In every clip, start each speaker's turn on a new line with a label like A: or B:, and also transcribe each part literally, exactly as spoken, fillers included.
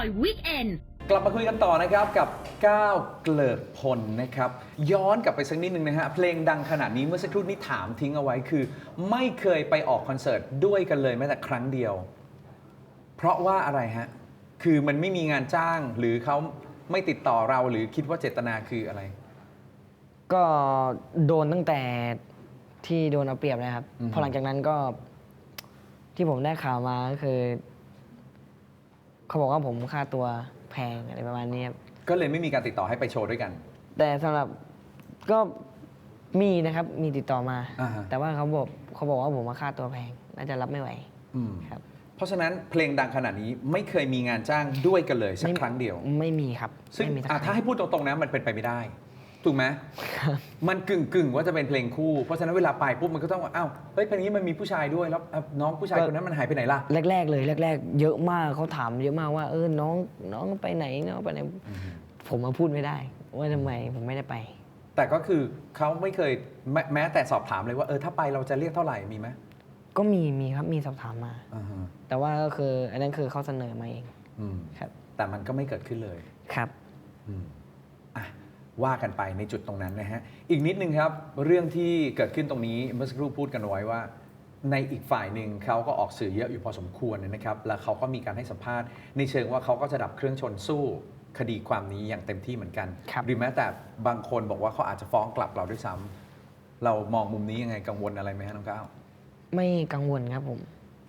A: อยวีคเอนด์
B: กลับมาคุยกันต่อนะครับกับก้าวเกลิกพลนะครับย้อนกลับไปสักนิดนึงนะฮะเพลงดังขนาดนี้เมื่อสักครู่นี้ถามทิ้งเอาไว้คือ ไม่เคยไปออกคอนเสิร์ตด้วยกันเลยแม้แต่ครั้งเดียว เพราะว่าอะไรฮะคือมันไม่มีงานจ้างหรือเขาไม่ติดต่อเราหรือคิดว่าเจตนาคืออะไร
C: ก็โดนตั้งแต่ที่โดนเอาเปรียบนะครับ
B: อือฮึ
C: พอหลังจากนั้นก็ที่ผมได้ข่าวมาก็คือเขาบอกว่าผมค่าตัวแพงอะไรประมาณนี้ครับ
B: ก็เลยไม่มีการติดต่อให้ไปโชว์ด้วยกัน
C: แต่สำหรับก็มีนะครับมีติดต่อมา
B: อ่าฮะ
C: แต่ว่าเขาบอกเขาบอกว่าผมมาค่าตัวแพงน่าจะรับไม่ไหว
B: อืม
C: ครับ
B: เพราะฉะนั้นเพลงดังขนาดนี้ไม่เคยมีงานจ้างด้วยกันเลยสัก
C: ไม่
B: ครั้งเดียว
C: ไม่มีครับ
B: ซึ่ง
C: ไม่มีสัก
B: อ่ะ
C: ค
B: ถ้า
C: รั้ง
B: ให้พูดตรงๆนะมันเป็นไปไม่ได้ ถูกไหมมันกึ่งกึ่งๆว่าจะเป็นเพลงคู่ เพราะฉะนั้นเวลาไปปุ๊บมันก็ต้องว่าอ้าวเฮ้ยเพลงนี้มันมีผู้ชายด้วยแล้วอ่ะน้องผู้ชายคนนั้นมันหายไปไหนล่ะ
C: แรก ๆ เลยแรก ๆ เยอะมากเขาถามเยอะมากว่าเออน้องน้องไปไหนน้องไปไหนผมมาพูดไม่ได้ ว่าทำไมผมไม่ได้ไป
B: แต่ก็คือเขาไม่เคยแม้แม้แต่สอบถามเลยว่าเออถ้าไปเราจะเรียกเท่าไหร่มีไหม
C: ก็มีมีครับมีสอบถามมา
B: อ่าฮะ
C: แต่ว่าก็คืออันนั้นคือเขาเสนอมาเอง
B: อืม
C: ครับ
B: แต่มันก็ไม่เกิดขึ้นเลย
C: ครับ
B: อืมอ่ะว่ากันไปในจุดตรงนั้นนะฮะอีกนิดนึงครับเรื่องที่เกิดขึ้นตรงนี้เมื่อสักครู่พูดกันเอาไว้ว่า ในอีกฝ่ายหนึ่งเขาก็ออกสื่อเยอะอยู่พอสมควรนะครับแล้วเขาก็มีการให้สัมภาษณ์ในเชิงว่าเขาก็จะดับเครื่องชนสู้คดีความนี้อย่างเต็มที่เหมือนกัน
C: ครับ
B: หรือแม้แต่บางคนบอกว่าเขาอาจจะฟ้องกลับเราด้วยซ้ำเรามองมุมนี้ยังไงกังวลอะไรไหมฮะน้องก้าว
C: ไม่กังวลครับผม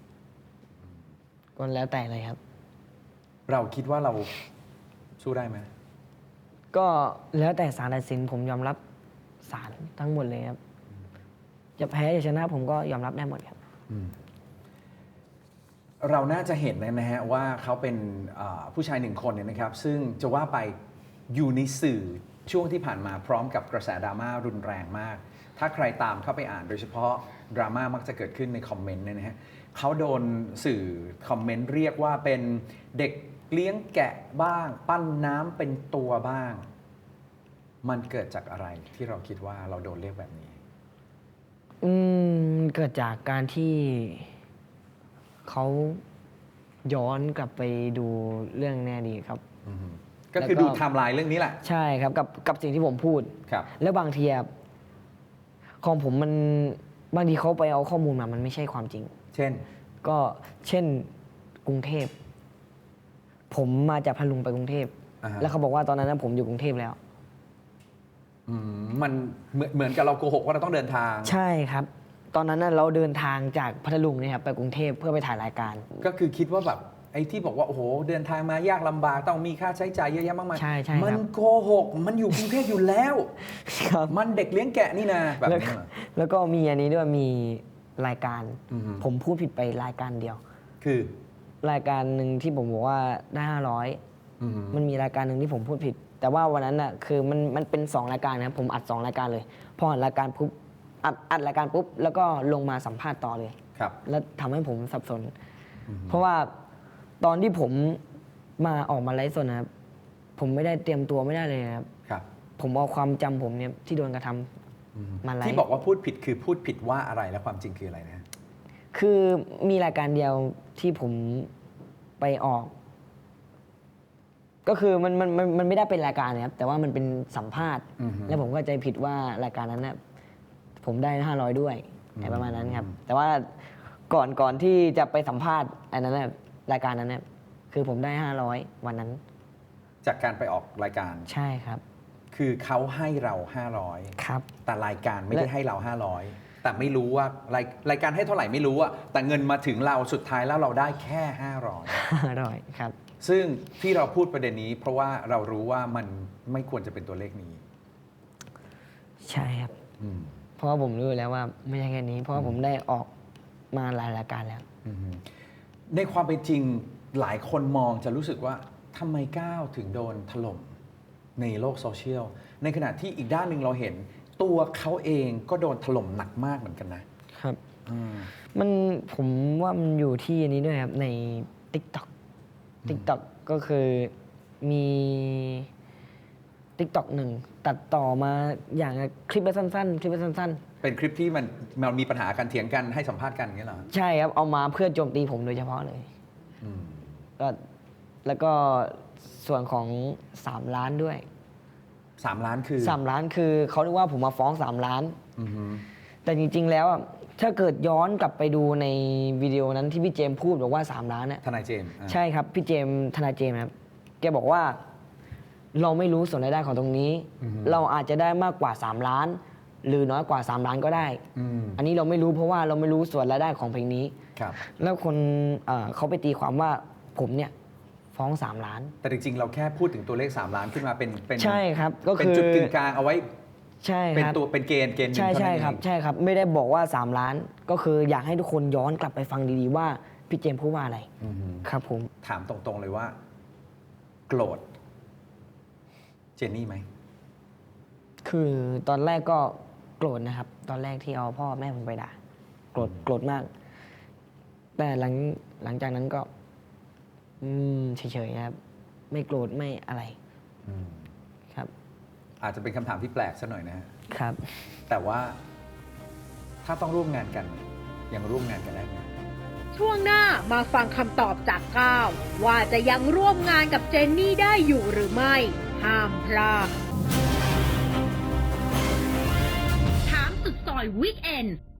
C: ก็แล้วแต่เลยครับ
B: เราคิดว่าเราสู้ได้ไหม
C: ก็แล้วแต่ศาลตัดสินผมยอมรับศาลทั้งหมดเลยครับ จะแพ้จะชนะผมก็ยอมรับได้หมดครับ
B: อืมเราน่าจะเห็นนะฮะว่าเขาเป็นอ่าผู้ชายหนึ่งคนเนี่ยนะครับ ซึ่งจะว่าไปอยู่ในสื่อช่วงที่ผ่านมาพร้อมกับกระแสดราม่ารุนแรงมาก ถ้าใครตามเข้าไปอ่านโดยเฉพาะดราม่ามักจะเกิดขึ้นในคอมเมนต์เนี่ยนะฮะเขาโดนสื่อคอมเมนต์เรียกว่าเป็นเด็กเลี้ยงแกะบ้าง ปั้นน้ำเป็นตัวบ้าง มันเกิดจากอะไรที่เราคิดว่าเราโดนเรียกแบบนี้
C: อืมเกิดจากการที่เขาย้อนกลับไปดูเรื่องแน่ดีครับ
B: อืมก็คือ
C: แล้วก็
B: ดูไทม์ไลน์เรื่องนี้แหละ
C: ใช่ครับกับกับสิ่งที่ผมพูด
B: ครับ
C: แล้วบางทีอะของผมมันบางทีเขาไปเอาข้อมูลมามันไม่ใช่ความจริง
B: เช่น
C: ก็เช่นกรุงเทพ ผมมาจากพัทลุงไปกรุงเทพ
B: อ่าฮะ
C: แล้วเขาบอกว่าตอนนั้นนะผมอยู่กรุงเทพแล้ว
B: อืมมันเหมือนเหมือนกับเราโกหกว่าเราต้องเดินทาง
C: ใช่ครับ ตอนนั้นนะเราเดินทางจากพัทลุงเนี่ยครับไปกรุงเทพเพื่อไปถ่ายรายการ
B: ก็คือคิดว่าแบบไอ้ที่บอกว่าโอ้โหเดินทางมายากลำบากต้องมีค่าใช้จ่ายเยอะแยะมากมาย
C: ใช่ใช่ครับ
B: มันโกหกมันอยู่กรุงเทพอยู่แล้ว
C: ครับ
B: มันเด็กเลี้ยงแกะนี่นะแบบ
C: แล้ว
B: นี้
C: ก็
B: เหรอ
C: แล้วก็มีอันนี้ด้วยมีรายการ
B: อือฮึ
C: ผมพูดผิดไปรายการเดียว
B: คือ
C: รายการหนึ่งที่ผมบอกว่าได้ห้าร้อย
B: อืม
C: มันมีรายการหนึ่งที่ผมพูดผิด แต่ว่าวันนั้นน่ะคือมันมันเป็นสองรายการนะครับผมอัดสองรายการเลย พออัดรายการปุ๊บอัดอัดรายการปุ๊บแล้วก็ลงมาสัมภาษณ์ต่อเลย
B: ครับ
C: แล้วทำให้ผมสับสน
B: อืม
C: เพราะว่าตอนที่ผมมาออกมาไลฟ์สดนะครับ ผมไม่ได้เตรียมตัวไม่ได้เลยนะครับ
B: ครับ
C: ผมเอาความจำผมเนี่ยที่โดนกระทำ
B: อืม
C: มาไลฟ์
B: ที่บอกว่าพูดผิดคือพูดผิดว่าอะไรและความจริงคืออะไรนะ
C: คือมีรายการเดียวที่ผมไปออก ก็คือมันมันมันมันไม่ได้เป็นรายการนะครับ แต่ว่ามันเป็นสัมภาษณ์
B: อือฮึ
C: แล้วผมก็ใจผิดว่ารายการนั้นนะผมได้ห้าร้อยด้วย
B: อืม
C: อะไรประมาณนั้นครับ แต่ว่าก่อนก่อนที่จะไปสัมภาษณ์อันนั้นนะรายการนั้นนะคือผมได้ห้าร้อยวันนั้น
B: จากการไปออกรายการ
C: ใช่ครับ
B: คือเขาให้เราห้าร้อย
C: ครับ
B: แต่รายการไม่ได้
C: และ
B: ให้เราห้าร้อยแต่ไม่รู้ว่ารายรายการให้เท่าไหร่ไม่รู้อะแต่เงินมาถึงเราสุดท้ายแล้วเราได้แค่ห้าร้อย
C: ห้าร้อยครับ
B: ซึ่งที่เราพูดประเด็นนี้ เพราะว่าเรารู้ว่ามันไม่ควรจะเป็นตัวเลขนี้
C: ใช่ครับ
B: อืม
C: เพราะว่าผมรู้อยู่แล้วว่าไม่ใช่แค่นี้ เพราะว่าผมได้ออกมาหลายรายการแล้ว
B: อืมในความเป็นจริงหลายคนมองจะรู้สึกว่าทำไมก้าวถึงโดนถล่มในโลกโซเชียลในขณะที่อีกด้านหนึ่งเราเห็น ตัวเขาเองก็โดนถล่มหนักมากเหมือนกันนะครับ อืม
C: มันผมว่ามันอยู่ที่อันนี้ด้วยครับ ใน TikTok TikTok ก็คือมี TikTok หนึ่งตัดต่อมาอย่างคลิปละสั้นๆ คลิปละสั้น
B: เป็นคลิปที่มันมันมีปัญหากันเถียงกันให้สัมภาษณ์กันอย่างเงี้ยเหรอ
C: ๆ ใช่ครับ เอามาเพื่อโจมตีผมโดยเฉพาะเลย
B: อืม
C: ก็แล้วก็ส่วนของสามล้านด้วย
B: สามล้านคือ
C: สามล้านคือเขาเรียกว่าผมมาฟ้องสามล้าน
B: อือฮึ
C: แต่จริงๆแล้วอะถ้าเกิดย้อนกลับไปดูในวิดีโอนั้นที่พี่เจมส์พูดบอกว่าสามล้านเนี่ย
B: ทนายเจมส์อ่ะ
C: ใช่ครับ พี่เจมส์ทนายเจมส์ครับแกบอกว่าเราไม่รู้ส่วนรายได้ของตรงนี้ เราอาจจะได้มากกว่าสามล้าน หรือน้อยกว่าสามล้านก็ได้
B: อืม
C: อันนี้เราไม่รู้เพราะว่าเราไม่รู้ส่วนรายได้ของเพลงนี้
B: ครับ
C: แล้วคนเอ่อเขาไปตีความว่าผมเนี่ยฟ้องสามล้าน
B: แต่จริงๆ เราแค่พูดถึงตัวเลข สาม ล้านขึ้นมาเป็นเป็น
C: ใช่ครับก็
B: เป็น
C: คือ
B: จุดกึ่งกลางเอาไว้
C: ใช่
B: เป็น
C: ครับ
B: ตัวเป็นเกณฑ์เกณฑ์หนึ่ง
C: ใช่
B: เท่า
C: ใช่
B: นั้น
C: ครับ
B: เอง
C: ใช่ครับ ไม่ได้บอกว่าสามล้าน ก็คืออยากให้ทุกคนย้อนกลับไปฟังดีๆว่าพี่เจมส์พูดว่าอะไร
B: อือฮึ
C: ครับผม
B: ถามตรงๆเลยว่า โกรธเจนนี่ไหม
C: คือตอนแรกก็โกรธนะครับ ตอนแรกที่เอาพ่อแม่ผมไปด่าโกรธโกรธมาก แต่หลังหลังจากนั้นก็ อืมเฉยๆครับ ไม่โกรธไม่อะไร
B: อืม
C: ครับ
B: อาจจะเป็นคำถามที่แปลกสักหน่อยนะฮะ
C: ครับ
B: แต่ว่าถ้าต้องร่วมงานกัน ยังร่วมงานกันได้ไหม
A: ช่วงหน้ามาฟังคำตอบจากก้าวว่าจะยังร่วมงานกับเจนนี่ได้อยู่หรือไม่ ห้ามพลาดถามสุดซอยวีคเอนด์